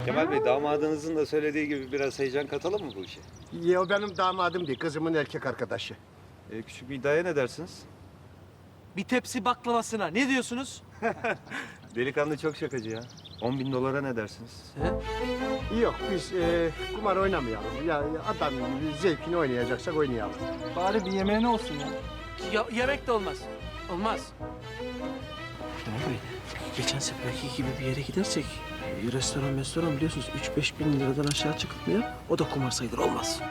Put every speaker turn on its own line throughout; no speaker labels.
Kemal Bey, damadınızın da söylediği gibi biraz heyecan katalım mı bu işe?
Ya o benim damadım değil, kızımın erkek arkadaşı.
Küçük bir iddiaya ne dersiniz?
Bir tepsi baklavasına ne diyorsunuz?
Delikanlı çok şakacı ya. 10.000 dolara ne dersiniz?
He?
Yok, biz kumar oynamayalım. Ya adam zevkini oynayacaksak oynayalım.
Bari bir yemeğine olsun ya.
Yemek de olmaz. Olmaz. Kemal Bey, geçen seferki gibi bir yere gidersek restoran biliyorsunuz 3-5 bin liradan aşağı çıkmıyor. O da kumar sayılır, olmaz.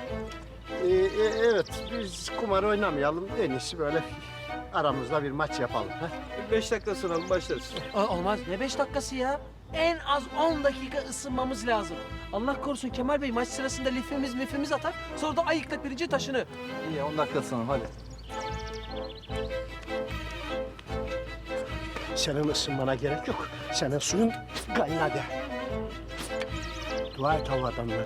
Evet, biz kumar oynamayalım. En iyisi böyle aramızda bir maç yapalım. Ha?
5 dakika sunalım, başlarız.
Olmaz. Ne 5 dakikası ya? En az 10 dakika ısınmamız lazım. Allah korusun Kemal Bey maç sırasında lifimiz atar. Sonra da ayıkla pirinci taşını.
İyi 10 dakika sonra hadi.
Senin ısınmana gerek yok. Senin suyun kaynadı. Dua et hava adamlara.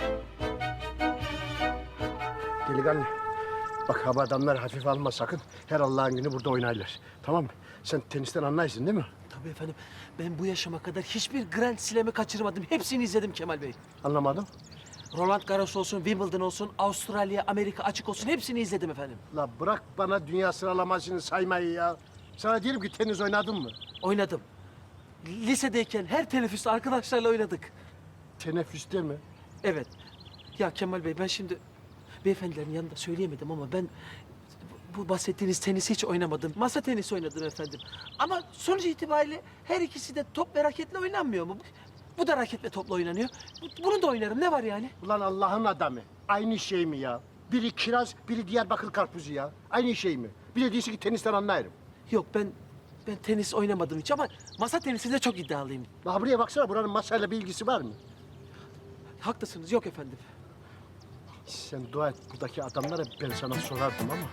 Delikanlı, bak hava adamları hafif alma sakın. Her Allah'ın günü burada oynarlar. Tamam mı? Sen tenisten anlarsın değil mi?
Tabii efendim. Ben bu yaşıma kadar hiçbir Grand Slam'ı kaçırmadım. Hepsini izledim Kemal Bey.
Anlamadım.
Roland Garros olsun, Wimbledon olsun, Avustralya, Amerika açık olsun hepsini izledim efendim.
La bırak bana dünya sıralamasını saymayı ya. Sana diyelim ki tenis oynadın mı?
Oynadım. Lisedeyken her teneffüste arkadaşlarla oynadık.
Teneffüste mi?
Evet. Ya Kemal Bey ben şimdi beyefendilerin yanında söyleyemedim ama ben bu bahsettiğiniz tenisi hiç oynamadım. Masa tenisi oynadım efendim. Ama sonuç itibariyle her ikisi de top ve raketle oynanmıyor mu? Bu da raket ve topla oynanıyor. Bunu da oynarım. Ne var yani?
Ulan Allah'ın adamı. Aynı şey mi ya? Biri kiraz, biri Diyarbakır karpuzu ya. Aynı şey mi? Bir de diyorsun ki tenisten anlarım.
Yok ben tenis oynamadım hiç ama masa tenisinde çok iddialıyım.
La buraya baksana, buranın masayla bir ilgisi var mı?
Haklısınız. Yok efendim.
Sen dua et buradaki adamlara, ben sana sorardım ama.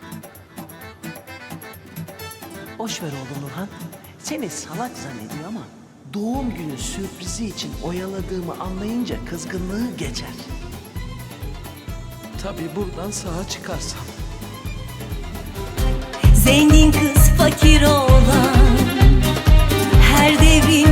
Boş ver oğlum Nurhan. Seni salak zannediyor ama doğum günü sürprizi için oyaladığımı anlayınca kızgınlığı geçer.
Tabii buradan sağa çıkarsam.
Zengin kız fakir oğlan, her devrin